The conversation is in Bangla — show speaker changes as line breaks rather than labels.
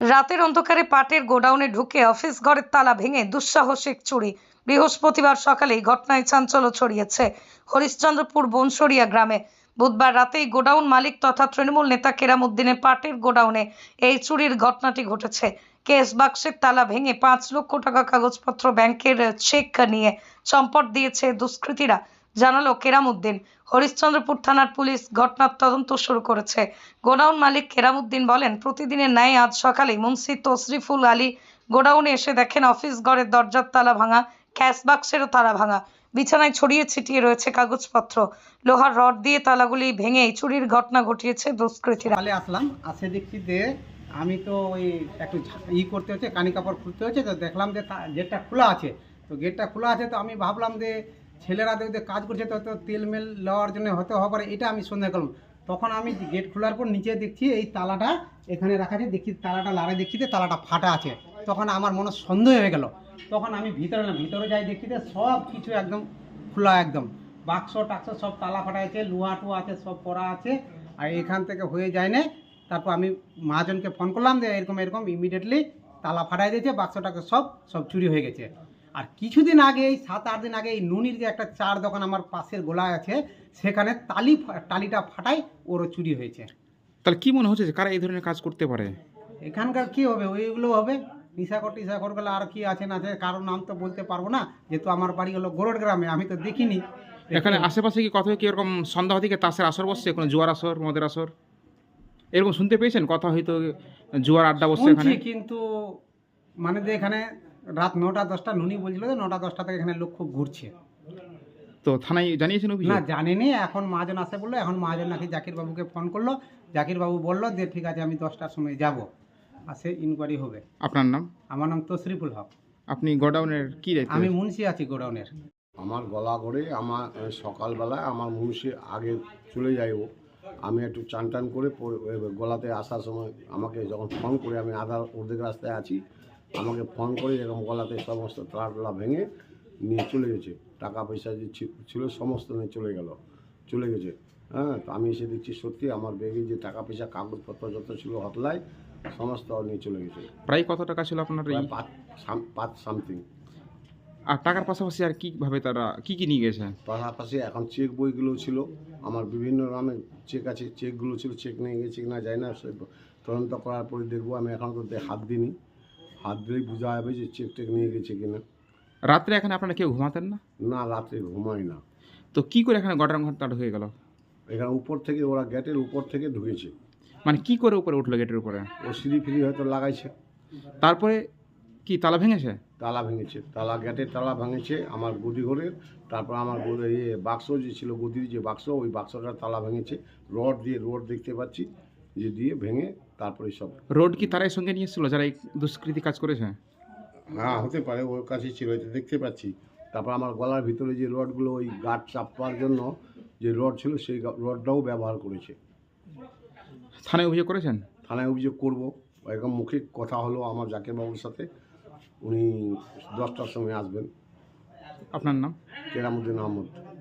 রাতের অন্ধকারে পাটের গোডাউনে ঢুকে অফিস ঘরের তালা ভেঙে দুঃসাহসিক চুরি। বৃহস্পতিবার সকালেই ঘটনায় চাঞ্চল্য ছড়িয়েছে হরিশ্চন্দ্রপুর বনসরিয়া গ্রামে। বুধবার রাতেই গোডাউন মালিক তথা তৃণমূল নেতা কেরামুদ্দিনের পাটের গোডাউনে এই চুরির ঘটনাটি ঘটেছে। কেস বাক্সের তালা ভেঙে 5 লক্ষ টাকা কাগজপত্র, ব্যাংকের চেক নিয়ে চম্পট দিয়েছে দুষ্কৃতীরা, জানালো কেরামুদ্দিন। হরিশ্চন্দ্রপুর থানার পুলিশ ঘটনার তদন্ত শুরু করেছে। গোডাউন মালিক কেরামুদ্দিন বলেন, প্রতিদিনের ন্যায় আজ সকালে মুন্সি তশরিফুল আলী গোডাউনে এসে দেখেন অফিস ঘরের দরজার তালা ভাঙা, ক্যাশ বাক্সেরও তালা ভাঙা, বিছানায় ছড়িয়ে ছিটিয়ে রয়েছে কাগজপত্র। লোহার রড দিয়ে তালাগুলি ভেঙে চুরির ঘটনা ঘটিয়েছে দুষ্কৃতীরা।
আসলাম আসে দেখছি যে আমি তো ওই একটু করতে হচ্ছে, কানি কাপড় খুলতে হচ্ছে, তো দেখলাম যে গেটটা খোলা আছে। তো গেটটা খোলা আছে, তো আমি ভাবলাম যে ছেলেরা দেখতে কাজ করছে, তো তেল মেল নেওয়ার জন্য হতে হবে, এটা আমি সন্দেহ করলাম। তখন আমি গেট খোলার পর নিচে দেখছি এই তালাটা এখানে রাখা আছে, দেখছি তালাটা লাড়ে, দেখছি যে তালাটা ফাটা আছে। তখন আমার মনে সন্দেহ হয়ে গেল। তখন আমি ভিতরে যাই, দেখছি যে সব কিছু একদম খোলা, একদম বাক্স টাক্স সব তালা ফাটা আছে, লোহা টুয়া আছে, সব পড়া আছে। আর এখান থেকে হয়ে যায় না। তারপর আমি মহাজনকে ফোন করলাম যে এরকম ইমিডিয়েটলি তালা ফাটাই দিয়েছে, বাক্সটাকে সব চুরি হয়ে গেছে। আর কিছুদিন আগে, এই 7-8 দিন আগে, এই নুনির যে একটা চার দোকান আমার পাশের গোলায় আছে, সেখানে টালিটা ফাটাই ওরও চুরি হয়েছে।
তাহলে কি মনে হচ্ছে যে কারা এই ধরনের কাজ করতে পারে?
এখানকার কি হবে, ওইগুলো হবে টিসাকর গেলে। আর কি আছে না আছে, কারোর নাম তো বলতে পারবো না, যেহেতু আমার বাড়ি হলো গোরড গ্রামে, আমি তো দেখিনি।
এখানে আশেপাশে কি কোথাও কি এরকম সন্ধ্যা থেকে তাসের আসর বসছে, কোনো জুয়ার আসর, মদের আসর এরকম শুনতে পেয়েছেন? কথা হয়তো জুয়ার আড্ডা বসছে এখানে,
কিন্তু মানে যে এখানে রাত 9টা-10টা নুনি বলছিল যে 9টা-10টা থেকে এখানে লোক খুব ঘুরছে।
তো থানায় জানিয়েছেন অভিযোগ?
না, জানিনি। এখন মহাজন আসে বললো, এখন মহাজন নাকি জাকির বাবুকে ফোন করলো। জাকির বাবু বললো যে ঠিক আছে, আমি 10টার সময় যাব, আসে ইনকোয়ারি হবে।
আপনার নাম?
আমার নাম তশরিফুল হক।
আপনি গোডাউনের কি দায়িত্ব?
আমি মুন্সি আছি গোডাউনের।
আমার গলা করে আমার সকালবেলায় আমার মুন্সি আগে চলে যায়, ও আমি একটু চান টান করে গলাতে আসার সময় আমাকে যখন ফোন করে, আমি অর্ধেক রাস্তায় আছি, আমাকে ফোন করে এরকম গলাতে সমস্ত তালা ভেঙে নিয়ে চলে গেছে। টাকা পয়সা যে ছিল সমস্ত নিয়ে চলে গেছে। হ্যাঁ, তো আমি এসে দেখছি সত্যি আমার ব্যাগে যে টাকা পয়সা কাগজপত্র যত ছিল হতলায় সমস্ত নিয়ে চলে গেছে।
প্রায় কত টাকা ছিল আপনার? এই
5 সামথিং।
আর টাকার পাশাপাশি আর কীভাবে তারা কি নিয়ে গেছে?
পাশাপাশি এখন চেক বইগুলো ছিল, আমার বিভিন্ন নামে চেক আছে, চেকগুলো ছিল, চেক নিয়ে গেছে কিনা যায় না, সে তদন্ত করার পরে দেখবো। আমি এখন তো হাত দিইনি, হাত দিলেই বোঝা যাবে যে চেক টেক নিয়ে গেছে কিনা।
রাত্রে এখানে আপনারা কেউ ঘুমাতেন না?
না, রাত্রে ঘুমাই না।
তো কি করে এখানে গোডাউন ঘরটা হয়ে গেল?
এখানে উপর থেকে ওরা গেটের উপর থেকে ঢুকেছে।
মানে কি করে উপরে উঠলো গেটের উপরে?
ও সিঁড়ি ফিরি হয়তো লাগাইছে।
তারপরে কি তালা ভেঙেছে?
তালা ভেঙেছে, গেটের তালা ভেঙেছে আমার গদি ঘরের। তারপর আমার বাক্স যে ছিল, গদির যে বাক্স, ওই বাক্সটার তালা ভেঙেছে। রড দেখতে পাচ্ছি যে দিয়ে ভেঙে তারপরে সব।
রোড কি তারাই সঙ্গে নিয়ে এসেছিল যারা এই দুষ্কৃতি কাজ করেছে?
হ্যাঁ, হতে পারে, ওর কাছে ছিল, এটা দেখতে পাচ্ছি। তারপর আমার গলার ভিতরে যে রডগুলো, ওই গার্ড চাপার জন্য যে রড ছিল, সেই রডটাও ব্যবহার করেছে।
থানায় অভিযোগ করেছেন?
থানায় অভিযোগ করব। এরকম মুখে কথা হলো আমার জাকির বাবুর সাথে, উনি 10টার সময় আসবেন।
আপনার নাম?
কেরামুদ্দিন আহমদ।